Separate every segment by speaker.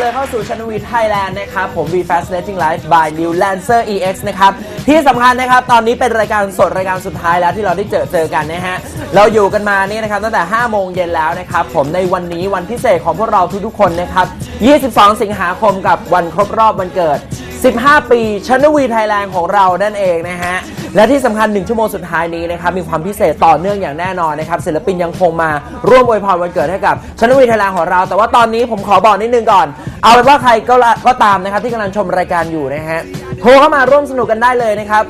Speaker 1: เลยเข้าสู่ Channel V Thailand นะครับผม V Fascinating Life by New Lancer EX นะครับที่สำคัญนะครับตอนนี้เป็นรายการสดรายการสุดท้ายแล้วที่เราได้เจอกันนะฮะเราอยู่กันมานี่นะครับตั้งแต่ 5 โมงเย็นแล้วนะครับผมในวันนี้วันพิเศษของพวกเราทุกๆคนนะครับ22 สิงหาคมกับวันครบรอบวันเกิด15 ปี Channel V Thailand ของเรานั่นเองนะฮะและที่สำคัญ1ชั่วโมงสุดท้ายนี้นะครับมีความพิเศษต่อเนื่องอย่างแน่นอนนะครับศิลปินยังคงมาร่วมอวยพรวันเกิดให้กับ Channel V Thailand ของเราแต่ว่าตอนนี้ผมขอบอกนิดนึงก่อนเอาเป็นว่าใครก็ตามนะครับที่กำลังชมรายการอยู่นะฮะโทรเข้ามาร่วมสนุกกันได้เลยนะครับ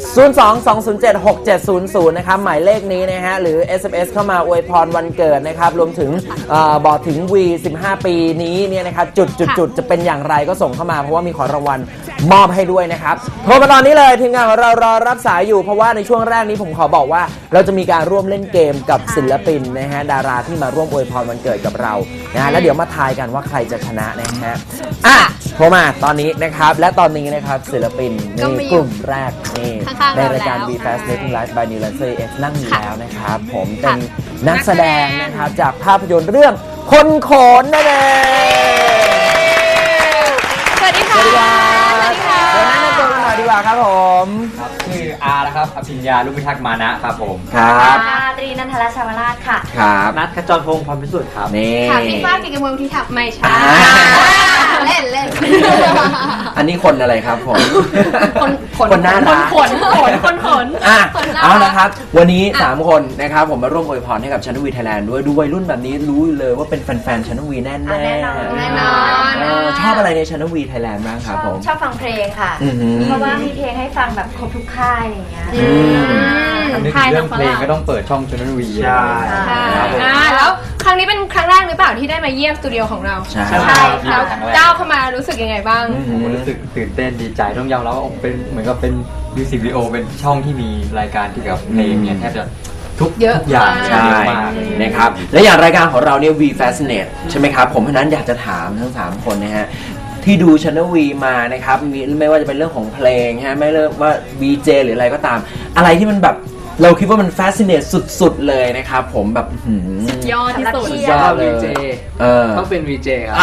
Speaker 1: 02-207-6700 นะครับหมายเลขนี้นะฮะหรือ SMS เข้ามาอวยพรวันเกิดนะครับรวมถึงบอกถึง V 15 ปีนี้เนี่ยนะครับจุดจะเป็นอย่างไรก็ส่งเข้ามาเพราะว่ามีของรางวัลมอบให้ด้วยนะครับโทรมาตอนนี้เลยทีมงานของเรารอรับสายอยู่เพราะว่าในช่วงแรกนี้ผมขอบอกว่าเราจะมีการร่วมเล่นเกมกับศิลปินนะฮะดาราที่มาร่วมอวยพรวันเกิดกับเรานะฮะแล้วเดี๋ยวมาทายกันว่าใครจะชนะนะฮะโทรมาตอนนี้นะครับและตอนนี้นะครับศิลปินนี่กลุ่มแรกนี่ในรายการ V Fascinating Life by New Lancer EX นั่งอยู่แล้วนะครับผมเป็นนักแสดงนะครับจากภาพยนตร์เรื่องคนโขนนั่นเอง
Speaker 2: สวัสดีค่ะ
Speaker 1: เดี๋ยวแนะนำตัวกันหน่อยดีกว่าครับผม
Speaker 3: ชื่ออาร์นะครับอภิญญาลุพิทักษ์มานะครับผม
Speaker 1: ครับ
Speaker 2: ตรีนันทรชาวราชค่ะ
Speaker 1: ครับ
Speaker 3: นัทขจรพงศ์พรพิสุทธิ์ครับ
Speaker 1: นี่
Speaker 2: ค่ะพี่ฟ้ากิจกมลที่ทักไม่ใช่เล่น
Speaker 1: อันนี้คนอะไรครับผมคนหน้าตา
Speaker 2: คน
Speaker 1: เอาละครับวันนี้3คนนะครับผมมาร่วมอวยพรให้กับ Channel V Thailand ด้วยดูวัยรุ่นแบบนี้รู้เลยว่าเป็นแฟนๆ Channel V แน่ๆชอบอะไรใน Channel V Thailand บ้างครับผม
Speaker 2: ชอบฟังเพลงค่ะเพราะว่ามีเพลงให้ฟังแบบครบทุกค่ายอย่างเงี้ย
Speaker 3: นึกถึงเรื่องเพลงก็ต้องเปิดช่อง Channel V ใช่
Speaker 4: แล้วครั้งนี้เป็นครั้งแรกหรือเปล่าที่ได้มาเยี่ยมสตูดิโอของเรา
Speaker 1: ใช่
Speaker 4: แล้วก้าวเข้ามารู้สึกยังไงบ้าง
Speaker 3: ผมรู้สึกตื่นเต้นดีใจต้องยอมรับว่าเป็นเหมือนกับเป็นมิวสิกวิดีโอเป็นช่องที่มีรายการเกี่ยวกับเพลงเนี่ยแทบจะทุกอย่าง
Speaker 1: ใช่นะครับและอย่างรายการของเราเนี่ย V Fascinate ใช่ไหมครับผมเพราะนั้นอยากจะถามทั้ง3คนนะฮะที่ดู Channel V มานะครับไม่ว่าจะเป็นเรื่องของเพลงฮะไม่เลือกว่า VJ หรืออะไรก็ตามอะไรที่มันแบบเราคิดว่ามัน fascinate สุดๆเลยนะครับผมแบบ
Speaker 4: สุดยอดที่สุด
Speaker 3: ยอด VJ ต้องเป็น VJ ครับ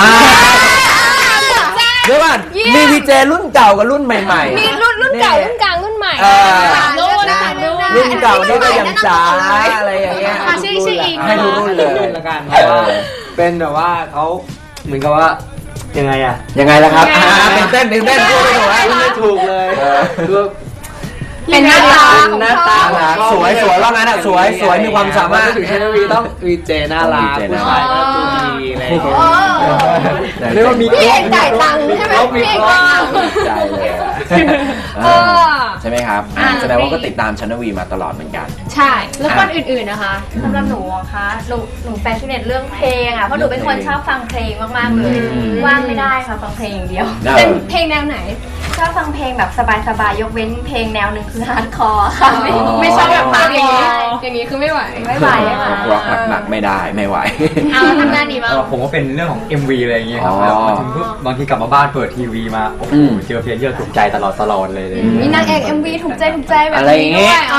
Speaker 1: เดี๋ยวก่อนมี VJ รุ่นเก่ากับรุ่นใหม่ๆ
Speaker 4: มีรุ่นเก่ารุ่นกลางรุ่นใหม่
Speaker 1: รุ่นเก่านี่ก็ยังจ๋าอะไรอย่างเงี้ยให้ดูรุ่นเลย
Speaker 3: ละกันเป็นแบบว่าเขาเหมือนกับว่ายังไง
Speaker 1: ล่ะครับเต้นพูด
Speaker 3: ไม่ถูกเลยคือ
Speaker 4: เป็นหน้าตา
Speaker 1: สวยว่างั้นสวยมีความสามารถ
Speaker 3: ถึง Channel V ต้อง VJ น่ารักผู้ชายก็ดีอะไรเรียกว่ามี
Speaker 4: พี่เอกจ่ายตังค์ใช่ไหมพี่เอก
Speaker 1: จ่ายเลยใช่ไหมครับแสดงว่าก็ติดตาม Channel V มาตลอดเหมือนกัน
Speaker 4: ใช่แล้วคนอื่นๆนะคะ
Speaker 2: สำหรับหนูคะหนูแฟชั่นเน็ตเรื่องเพลงเพราะหนูเป็นคนชอบฟังเพลงมากๆเลยว่างไม่ได้ค่ะฟังเพลงอย่างเดียว
Speaker 4: เป็นเพลงแนวไหน
Speaker 2: ชอบฟังเพลงแบบสบายๆยกเว้นเพลงแนวหนึ่งคือฮาร์ดคอร์ค่ะ
Speaker 4: ไม่ชอบแบบฟังอย่างนี้คือไม่ไหว
Speaker 1: ร็อกหนักไม่ได้ไม่ไหว
Speaker 4: เอาทำงานดีบ้าง
Speaker 3: ผมก็เป็นเรื่องของ MV อะไรอย่างเงี้ยครับมาถึงปุ๊บบางทีกลับมาบ้านเปิดทีวีมาโอ้โหเจอเพลงเยอะถูกใจตลอดเลย
Speaker 4: มีนางเอก MV ถูกใจแบบนี้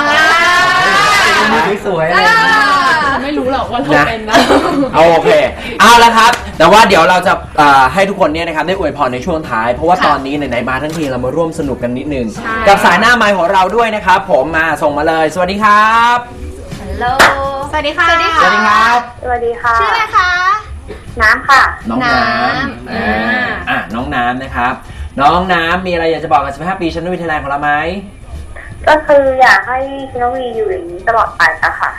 Speaker 1: ด้วยสวย
Speaker 4: ไม่รู้หรอกว่าเราเป็นนะ
Speaker 1: โอเคเอาละครับแต่ว่าเดี๋ยวเราจะให้ทุกคนเนี่ยนะครับได้อวยพรในช่วงท้ายเพราะว่าตอนนี้ไหนๆมาทั้งทีเรามาร่วมสนุกกันนิดนึงกับสายหน้าไมค์ของเราด้วยนะครับผมมาส่งมาเลยสวัสดีครับ
Speaker 2: ฮัลโหล
Speaker 4: สวัสดีค่ะ
Speaker 1: สวัสดีครับ
Speaker 2: สวัสดีค่ะ
Speaker 4: ชื่ออะไรคะ
Speaker 2: น้ำค่ะ
Speaker 1: น้องน้ำน้องน้ำนะครับน้องน้ำมีอะไรอยากจะบอกกับ15 ปี Channel V Thailand ของเราไหม
Speaker 2: ก็คืออยากให้Channel Vอยู่อย่างนี้ตลอดไปอะค่ะ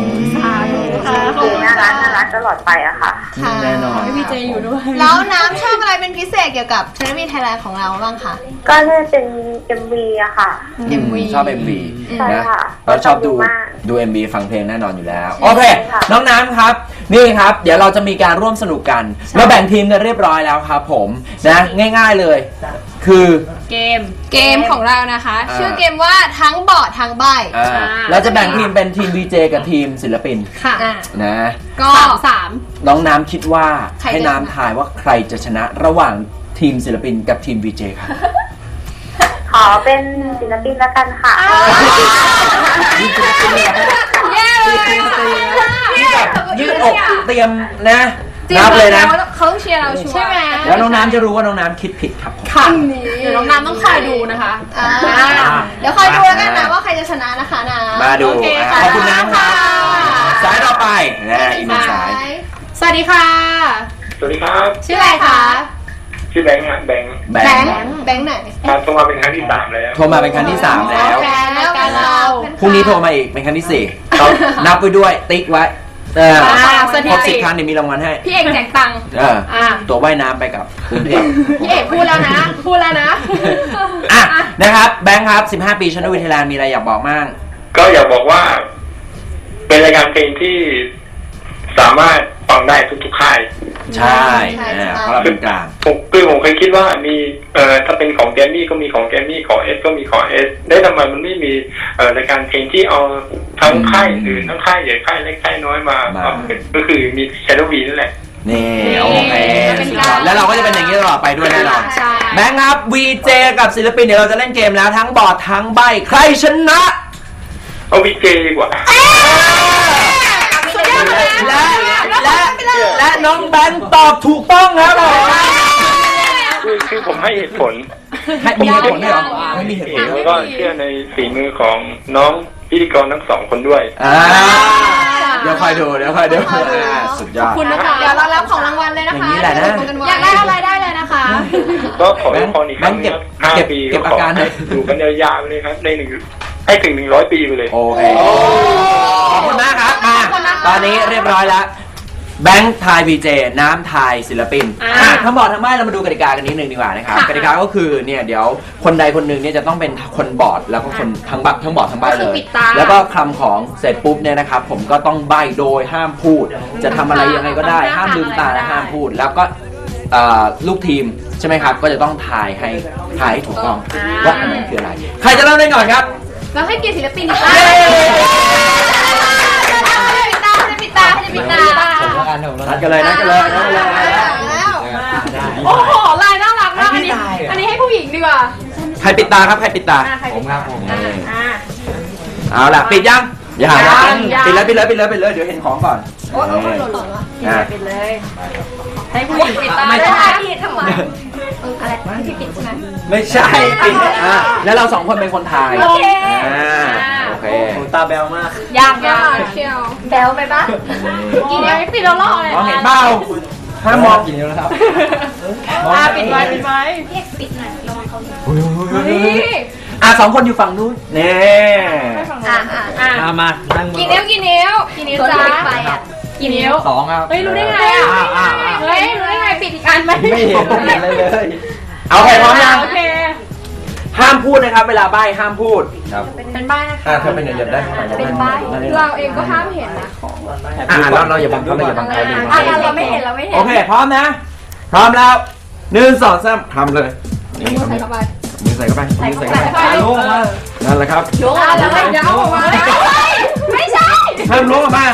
Speaker 2: น่ารักตลอดไปอะค่ะ
Speaker 1: แน่นอน
Speaker 4: พี่เจอยู่ด้วยแล้วน้ำชอบอะไรเป็นพิเศษเกี่ยวกับChannel V Thailandของเราบ้างคะ
Speaker 2: ก็น่าเป็น MV อะค่ะ
Speaker 4: MV
Speaker 1: ชอบ MV
Speaker 2: นะ
Speaker 1: เราชอบดู MV ฟังเพลงแน่นอนอยู่แล้วโอเคน้องน้ำครับนี่ครับเดี๋ยวเราจะมีการร่วมสนุกกันเราแบ่งทีมกันเรียบร้อยแล้วครับผมนะง่ายๆเลยคือ
Speaker 4: เกมของเรานะคะชื่อเกมว่าทั้งบอดทั้งใบ
Speaker 1: เราจะแบ่งทีมเป็นทีม VJ กับทีมศิลปิน
Speaker 4: ค่ะ
Speaker 1: นะ
Speaker 4: ก็3
Speaker 1: น้องน้ำคิดว่าให้น้ำทายว่าใครจะชนะระหว่างทีมศิลปินกับทีม VJ ครับ
Speaker 2: ขอเป็นศิลปินแล้วกันค่ะ
Speaker 4: แย่เลย
Speaker 1: ที่แบบยืดอกเตรียมนะนับเลยนะ
Speaker 4: เขาต้องเชียร์เราชัวร์
Speaker 5: ใช่ไหม
Speaker 1: แล้วน้องน้ำจะรู้ว่าน้องน้ำคิดผิดครับ
Speaker 5: ค่ะเดี๋ยวน้องน้ำต้องคอยดูนะคะ
Speaker 4: เดี๋ยวคอยดูแล้วกันนะว่าใครจะชนะนะคะนะ
Speaker 1: มาดู
Speaker 5: โอเคค่ะ
Speaker 1: ขอบคุณน้ำครับสายต่อไปอีกหนึ่งสาย
Speaker 5: สวัสดีค่ะ
Speaker 6: สวัสดีครับ
Speaker 5: ชื่ออะไรคะ
Speaker 6: ชื่อแบงค์ฮะแบงค์
Speaker 1: แบ
Speaker 4: แบ
Speaker 1: ง
Speaker 4: ง
Speaker 1: ค์
Speaker 4: ค์แบงค์ไหน
Speaker 6: ครับโทรมาเป็นครั้งที่ 3 แล้ว
Speaker 1: โทรมาเป็นครั้งที่ 3 แล้ว
Speaker 5: แฟนรายการเรา
Speaker 1: พรุ่งนี้โทรมาอีกเป็นครั้งที่ 4ครับนับไปด้วยติ๊กไว้
Speaker 5: สถิ
Speaker 1: ครบ
Speaker 5: ติ
Speaker 1: 10 ครั้งเนี่ยมีรางวัลให้
Speaker 5: พี่เอกแจกตังค์
Speaker 1: ตัวว่ายน้ำไปกับกรุงเทพ
Speaker 5: พี่เอกพูดแล้วนะพูดแล้วนะ
Speaker 1: อ่ะนะครับแบงค์ครับ 15 ปีชนวิทยามีอะไรอยากบอกมั่ง
Speaker 6: ก็อยากบอกว่า เป็นรายการเพลงที่สามารถฟังได้ทุกๆค่าย
Speaker 1: ใช่เพราะเราเป็นกลาง
Speaker 6: ผมเคยคิดว่ามีถ้าเป็นของแกรมมี่ก็มีของแกรมมี่ของเอสก็มีของเอสได้ทำไมมันไม่มีรายการเพลงที่เอาทั้งค่ายอื่นทั้งค่ายใหญ่ค่ายเล็กค่ายน้อยมาก็คือมีแชโดว์วีนั่นแหละ
Speaker 1: นี่โอเค
Speaker 5: เป็น
Speaker 1: สุด
Speaker 5: กลาง
Speaker 1: ยอดแล้วเราก็จะเป็นอย่างนี้ตลอดไปด้วยแน่นอน
Speaker 5: ใช่
Speaker 1: แบงค์ครับ VJ กับศิลปินเดี๋ยวเราจะเล่นเกมแล้วทั้งบอร์ดทั้งใบใครชนะ
Speaker 6: เอาวีเจดีกว่า
Speaker 1: และน้องแบงค์ตอบถูกต้องครับผม
Speaker 6: คือผมให้เหตุผล
Speaker 1: มีเหตุผลด้วยเหรอไม่มีเหตุผล
Speaker 6: แล้วก็เชื่อในฝีมือของน้องพิธีกรทั้ง2 คนด้วย
Speaker 1: เดี๋ยวคอยดูสุดยอด
Speaker 5: คุณนะคะ
Speaker 4: เดี๋ยวเรารับของรางวัลเลยนะคะ
Speaker 1: อย่างนี้แหละนะ
Speaker 4: เดี๋ยวดูกัว้
Speaker 5: อยากได้อะไรได้เลยนะคะ
Speaker 6: ก็ขอให้พรอีกครั้ง
Speaker 1: แบงค์
Speaker 6: 5
Speaker 1: เก็บ
Speaker 6: ปี
Speaker 1: เก็บ
Speaker 6: ก็
Speaker 1: อา
Speaker 6: ขอ
Speaker 1: การหน่
Speaker 6: ให้
Speaker 1: อย
Speaker 6: อยู่กันยาวๆเลยครับในให้ถึง100 ปีไปเลย
Speaker 1: โอเคขอบคุณมากครับมาตอนนี้เรียบร้อยแล้วแบงค์ทาย VJ น้ำทายศิลปินทั้งบอร์ดทั้งใบเรามาดูกติกากันนิดนึงดีกว่านะครับกติกาก็คือเนี่ยเดี๋ยวคนใดคนหนึ่งเนี่ยจะต้องเป็นคนบอร์ดแล้วก็คนทั้งบอร์ดทั้งใบเลย แล้วก็คำของเสร็จปุ๊บเนี่ยนะครับผมก็ต้องใบโดยห้ามพูด จะทำอะไรยังไงก็ได้ห้ามลืมตาและห้ามพูด แล้วก็ลูกทีมใช่ไหมครับก็จะต้องทายให้ถูกต้องว่าอันนั้นคืออะไรใครจะเริ่มได้ก่อนครับ
Speaker 5: เราให้เกียรติศิลปินดีกว่า
Speaker 1: นัดกันเลย
Speaker 5: โอ้โหลายน่ารักมากอันนี้ให้ผู้หญิงดีกว่า
Speaker 1: ใครปิดตาครับใครปิดตา
Speaker 3: ผมครับผม
Speaker 1: เอาล่ะปิดยังอย่าหา
Speaker 5: ยัง
Speaker 1: ปิดเลยเดี๋ยวเห็นของก่อน
Speaker 4: โอ้ยหล่นๆวะ
Speaker 5: ปิดเลย ให้ผู้หญิงปิดตา
Speaker 2: ไม่
Speaker 5: ได้
Speaker 2: ใช่
Speaker 5: ไหม
Speaker 2: พี่ทำไมอะไรพี่ปิดใช่ไหม
Speaker 1: ไม่ใช่ปิดแล้วเรา2 คนเป็นคนทาย
Speaker 2: โอเค
Speaker 1: โอเค
Speaker 3: ตาแบวมาก
Speaker 5: ยาก
Speaker 4: เชียว
Speaker 2: แบลไปปะ
Speaker 5: กินยังปิดแล้วล่อเลย
Speaker 1: มองเห็นเปล่าห้ามมอง
Speaker 3: กินแล้วครับ
Speaker 5: ปิดไว้
Speaker 2: พี่เอกปิดหน่อยระวังเขาดู
Speaker 5: นี่
Speaker 1: 2 คนอยู่ฝั่งนู้นนี่
Speaker 3: มานั่ง
Speaker 5: กี่นิ้วกี่นิ้ว
Speaker 2: ตัว
Speaker 5: จ้า
Speaker 2: เล็กไปอ่ะ
Speaker 5: กี่นิ้ว
Speaker 3: 2 ครับ
Speaker 5: เฮ้ยรู้ได้ไงอ่ะเฮ้ยรู้ได้ไงปิดอีกอันไหม
Speaker 3: ไม่เห็นเลย
Speaker 1: เอาใครพร้อมยัง
Speaker 5: โอเค
Speaker 1: ห้ามพูดนะครับเวลาใบ้ห้ามพูด
Speaker 3: ครับ
Speaker 5: เป็นใบนะคะ
Speaker 1: ถ้าเป็นเดี๋ยวได้
Speaker 2: เป็นใบ้
Speaker 5: เราเองก็ห้ามเห็นนะ
Speaker 1: เราอย่าบังเขาอย่าบังเขา
Speaker 2: เราไม่เห็นเราไม่เห็น
Speaker 1: โอเคพร้อมนะ พร้อมแล้ว1 2 3ทำเลยมือใส่เข้าไปนั่นแหละครับ
Speaker 5: ล้วงอะไรเดี๋ยวเอาออกมาไม่ใช่
Speaker 1: ห้ามล้วงออกมา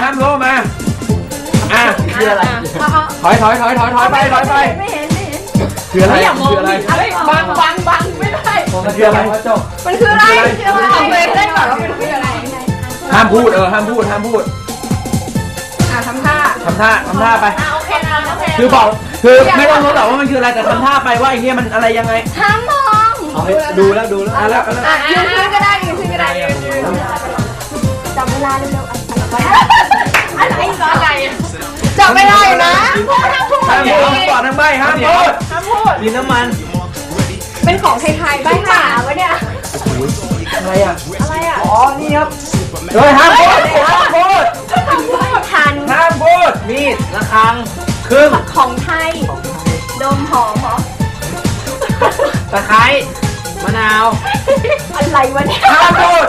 Speaker 1: คืออะไรถอยไป
Speaker 2: ไม่เห็น
Speaker 1: คืออะไร
Speaker 5: อย่ามอง
Speaker 1: คืออะไร
Speaker 5: อะไรบังไม่ได้
Speaker 1: มันคืออะไร
Speaker 5: มันคืออะไรเอาไปเล่นก่อนว่ามันคืออะไร
Speaker 1: ห้ามพูดห้ามพูด
Speaker 5: ทำท่า
Speaker 1: ทำท่าไป
Speaker 2: โอเคนะโอเค
Speaker 1: คือบอกคือไม่ต้องรู้หรอกว่ามันคืออะไรแต่ทำท่าไปว่าไอ้เนี่ยมันอะไรยังไง
Speaker 2: ห้ามมอง
Speaker 3: ดูแล้ว
Speaker 1: แล้ว
Speaker 5: ยืนขึ้นก็ได้ยืนขึ้นก็ได้ยืน
Speaker 2: จับเวลาเร็วๆอะไร
Speaker 5: จับไม่ได้นะ
Speaker 1: ห้ามพูดก่อนทั้งใบห้ามพูด
Speaker 3: มีน้ำมัน
Speaker 5: เป็นของไทยๆใบ
Speaker 2: หมาวะเนี่ย
Speaker 1: อะไรอ่ะ
Speaker 2: อะไรอ่ะ
Speaker 1: อ๋อนี่ครับเฮ้ยห้ามพูด
Speaker 2: ทัน
Speaker 1: ห้ามพูดมีดระฆังครึ่ง
Speaker 2: ของไทยดมหอมเหรอ
Speaker 1: ตะไคร้มะนาว
Speaker 2: อะไรวะเนี่ย
Speaker 1: ห้ามพูด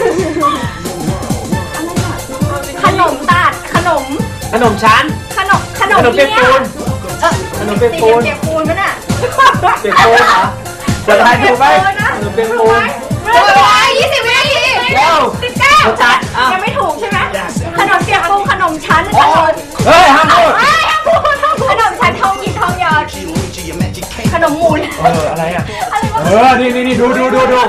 Speaker 2: ขนมตัดขนม
Speaker 1: ขนมชั้น
Speaker 2: ขนม
Speaker 1: ขนมเปียกปูนขนมเปียกปูน
Speaker 2: เปียกปูนมั้ยน่ะ
Speaker 1: เปียกปูนเหรอจะทายถูกไหมขนมเปียกปูน
Speaker 2: 20 วินาที
Speaker 1: เร็ว
Speaker 2: 19จัดยังไม่ถูกใช่ไหมขนมเปียกปูนขนมชั้นขนม
Speaker 1: เฮ้ยห้ามพูด
Speaker 2: ขนมชั้นทองหยิบทองหยอดขนมมูล
Speaker 1: อะไรอ่ะ
Speaker 2: อะไรวะ
Speaker 1: นี่ดูนี่คืออะไร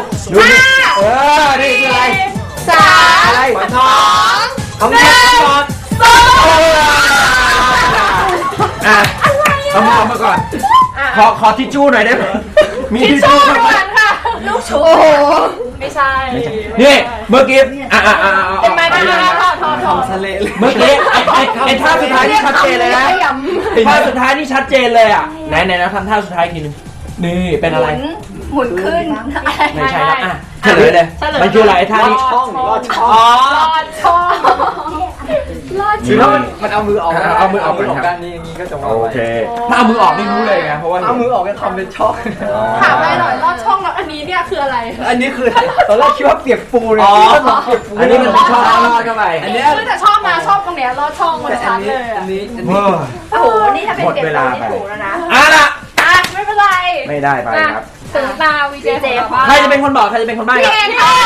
Speaker 2: 3
Speaker 1: อะไรทอง
Speaker 2: 1
Speaker 1: อ่ะขเอามาก่อนขอทิชชู่หน่อยได้ไหมมีทิช
Speaker 5: ชู้
Speaker 1: ชู่
Speaker 5: ด่วนค่ะ
Speaker 2: ลูกชุบ
Speaker 5: ไม่ใช่
Speaker 1: นี่เมื่อกี้
Speaker 5: เป็นไม้ได้ถอด
Speaker 3: ทะเลเลย
Speaker 1: เมื่อกี้ไอ้ท่าสุดท้ายนี่ชัดเจนเลยนะท่าสุดท้ายนี่ชัดเจนเลยอ่ะไหนนะทำท่าสุดท้ายอีกทีนึงนี่เป็นอะไร
Speaker 2: หมุนขึ้น
Speaker 1: ไม่ใช่แล้วอ่ะเฉลยเลยมันคืออะไรไอ้ท่านี้
Speaker 3: ลอดช่อง
Speaker 5: รอดช่อง
Speaker 3: คือถ้ามันเอามือออก
Speaker 1: เอามือออกก่อนครับ
Speaker 3: ด้านนี้อย่างนี้ก็จะว่า
Speaker 1: โอเคถ้าเอามือออกไม่รู้เลยไงเพราะว่า
Speaker 3: เอามือออกก็ทำเป็นช่อง
Speaker 5: ถามอะไรหน่อยรอดช่องแล้วอันนี้เนี่ยคืออะไร
Speaker 3: อันนี้คือตอนแรกคิดว่าเปียกปูเลย
Speaker 1: อ๋อ
Speaker 3: เปียกปู
Speaker 1: อันนี้มันเป็นช่องลอดเข้าไป
Speaker 3: อันนี้
Speaker 5: คือแต่ชอบนะชอบตรงเนี้ยรอดช่องมันชัดเลย
Speaker 3: อั
Speaker 5: อ่ะ
Speaker 3: นนี้
Speaker 1: เว้ย
Speaker 2: โอ้โห นี่ถ้าเป็น
Speaker 1: หมด
Speaker 2: เปลี่ยน
Speaker 1: เวลา
Speaker 2: ตัวนี่
Speaker 1: ไป
Speaker 2: ถูกแล้วนะ
Speaker 1: อ่ะล่ะ
Speaker 5: อ่ะไม่เป็นไร
Speaker 1: ไม่ได้ไปครับ
Speaker 5: ถึงตาวีเจของบ้าน
Speaker 1: ใครจะเป็นคนบอกใครจะเป็นคนใบ้ครับ
Speaker 5: พี่เองค่ะ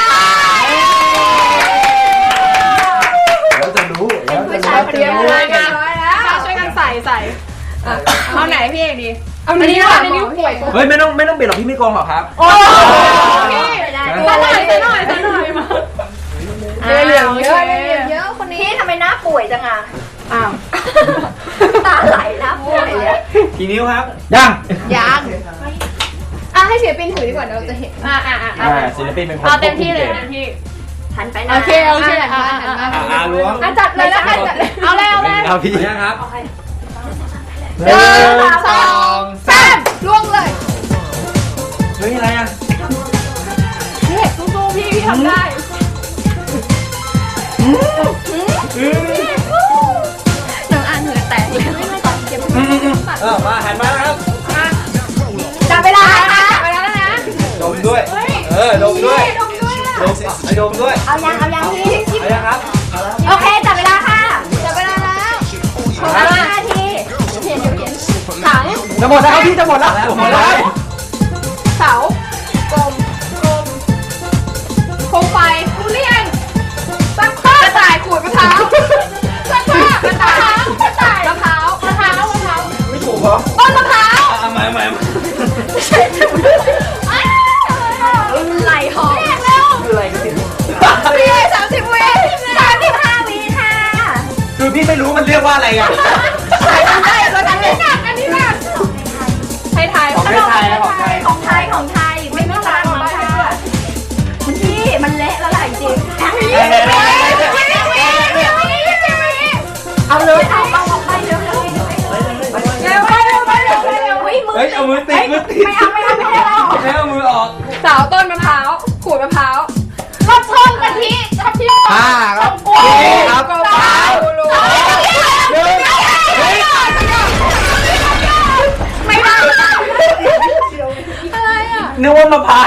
Speaker 1: แล้วจะรู้แล้วจะ
Speaker 5: ผู้ชายคนเดียวเลยงานร้อยแล้วช่วยกันใส่เอาไหนพี่เอกดีเอาอันนี้ก่อนอันนี้ป่วย
Speaker 1: เฮ้ยไม่ต้องเปลี่ยนหรอกพี่ไม่โกงหรอกครับ
Speaker 5: โอ้พี่
Speaker 2: ไม่ได้
Speaker 5: ซะหน่อยมาเหลืองเยอะเยอะคนนี้
Speaker 2: พี่ทำไมหน้าป่วยจังอ่ะ
Speaker 5: อ้าว
Speaker 2: ตาไหลหน้าป่วยเลย
Speaker 3: กี่นิ้วครับ
Speaker 1: ยัง
Speaker 5: ยังให้ศิลปินถือดีกว่าเดี๋ยวเราจะเห็น
Speaker 1: ศิลปินเป็นคน
Speaker 5: เอาเต็มที่เลยเต็มที่
Speaker 2: หันไปนะ
Speaker 5: โอเค
Speaker 3: ล้วง
Speaker 5: จัดเลยแล้วกันจัดเลยเอาเลย
Speaker 3: เอาพี่ยังครับ
Speaker 1: หนึ่ง
Speaker 5: สามล่วงเลย
Speaker 1: เฮ้ยอะไรอ่ะ
Speaker 5: พี่เอกสู้ๆพี่ทำได้
Speaker 2: น้องอ่านเหงื่อแตกเลยไม่ต้องเก็บ
Speaker 3: มาหันมาแล้วครับ
Speaker 5: จับเวลาค่ะจับเวลาแล้วนะ
Speaker 3: ดมด้วยดมด้วยดมด้วย
Speaker 2: เอายังพี่
Speaker 3: เอายังครับ
Speaker 2: โอเค จับเวลาค่ะ จับเวลาแล้ว5 นาที
Speaker 5: ถัง
Speaker 1: จะหมดแล้วพี่จะหมดแล้ว
Speaker 5: เสากลมโคมไฟทุเรียนซักผ้ากระต่ายขูดมะพร้าวซักผ้ากระต่ายมะพร้าว
Speaker 3: ไม่ถูกเหรอ
Speaker 5: ต้นมะพร้าว
Speaker 3: เอาใหม่
Speaker 2: ไหลหอม
Speaker 5: เรียกเร็ว
Speaker 1: อะไรกันเนี่ย
Speaker 5: พี่30 วิ
Speaker 2: 35 วิค่ะ
Speaker 1: คือพี่ไม่รู้มันเรียกว่าอะไรไง
Speaker 5: ได้แล้วอันนี้หนักไทย
Speaker 1: ของไทยของไทย
Speaker 2: ของไทย ไม่มีตังค์ค่ะคุณพี่มันเละแล้วแหละจริงเอาเลยเอาออกไปเร็วๆ
Speaker 5: เร็ว
Speaker 2: อุ้ยมือ
Speaker 3: เฮ้ยเอามือติด
Speaker 2: ไม่เอาไม่ให้เรา
Speaker 3: แล้วเอามือออก
Speaker 5: สาวต้นมะพร้าวขูดมะพร้าวรสช่องกะทิทับทิม
Speaker 1: ครับ
Speaker 5: ครับ ไม่ได้อะไรอ่ะ
Speaker 1: นึกว่ามะพร้าว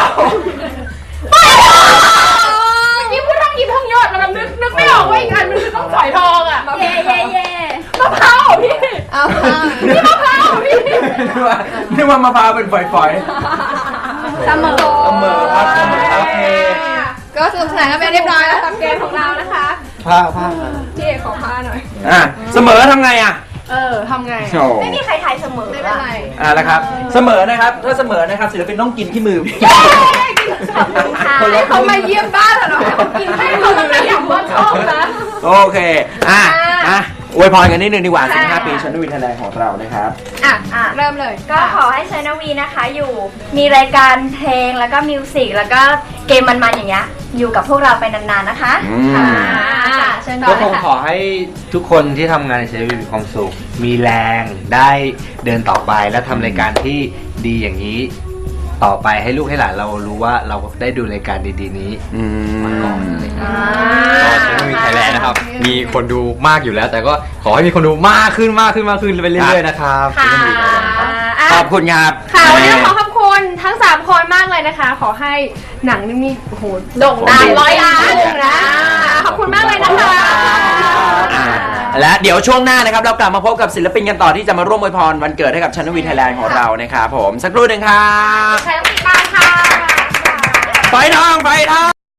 Speaker 5: ยิ้มพูดทองยิ้มทองยอดแล้วนึกไม่ออกว่าอีกอันมันคือต้องฝอยทองอ่ะ
Speaker 2: เย่
Speaker 5: มะพร้าวพี่นี่มะพร้าวพี่
Speaker 1: นึกว่ามะพร้าวเป็นฝอย
Speaker 5: เสมอ
Speaker 1: ครับเสมอโอเค
Speaker 5: ก็สนุกสนานกันไปเรียบร้อยแล้วกับเกมของเรานะคะ
Speaker 3: ผ้า
Speaker 5: พี่เอกขอผ้าหน่อย
Speaker 1: เสมอทำไงอ่ะ
Speaker 5: ทำไง
Speaker 1: โอ้
Speaker 2: ไม่มีใครทายเสมอ
Speaker 5: ไม่เป็นไร
Speaker 1: นะครับเสมอนะครับถ้าเสมอนะครับศิลปินต้องกินขี้มือ
Speaker 2: ขอบคุณค่ะ
Speaker 5: ให้เขามาเยี่ยมบ้านเหรอให้เขากินให้เขาต้องขยันว่าชอบนะ
Speaker 1: โอเคอวยพรกันนิดนึงดีกว่า 15 ปีชนวินไทยแลนด์ของเรานะครับ
Speaker 5: เริ่มเลย
Speaker 2: ก็ขอให้ชนวีนะคะอยู่มีรายการเพลงแล้วก็มิวสิกแล้วก็เกมมันๆอย่างเงี้ยอยู่กับพวกเราไปนานๆนะคะ
Speaker 5: ค่ะเชิญต่อ
Speaker 3: ก็
Speaker 5: เล
Speaker 3: ค
Speaker 5: ย
Speaker 3: ง
Speaker 5: ค่ะ
Speaker 3: ขอให้ทุกคนที่ทำงานในชีวิตมีความสุข มีแรงได้เดินต่อไปและทำรายการที่ดีอย่างนี้ ต่อไปให้ลูกให้หลานเรารู้ว่าเราได้ดูรายการดีๆนี้มาก่อนอะไรอย่างเงี้ย ก็ชนวีไทยแลนด์นะครับ มีคนดูมากอยู่แล้ว แต่ก็ขอให้มีคนดูมากขึ้นไปเรื่อยๆนะครับ
Speaker 5: ค่ะ
Speaker 1: ขอบคุณครับ
Speaker 5: ค่ะวันนี้ขอขอบคุณทั้ง3คนมากเลยนะคะ ขอให้หนังนี่มีโอ้โหโด่งดัง100 ล้านนะขอบคุณมากเลยนะคะ
Speaker 1: และเดี๋ยวช่วงหน้านะครับเรากลับมาพบกับศิลปินกันต่อที่จะมาร่วมอวยพรวันเกิดให้กับชนวีไทยแลนด์ของเรานะครับผมสักครู่หนึ่งครับ
Speaker 5: ใครต้องติดตามค่ะ
Speaker 1: ไฟทอง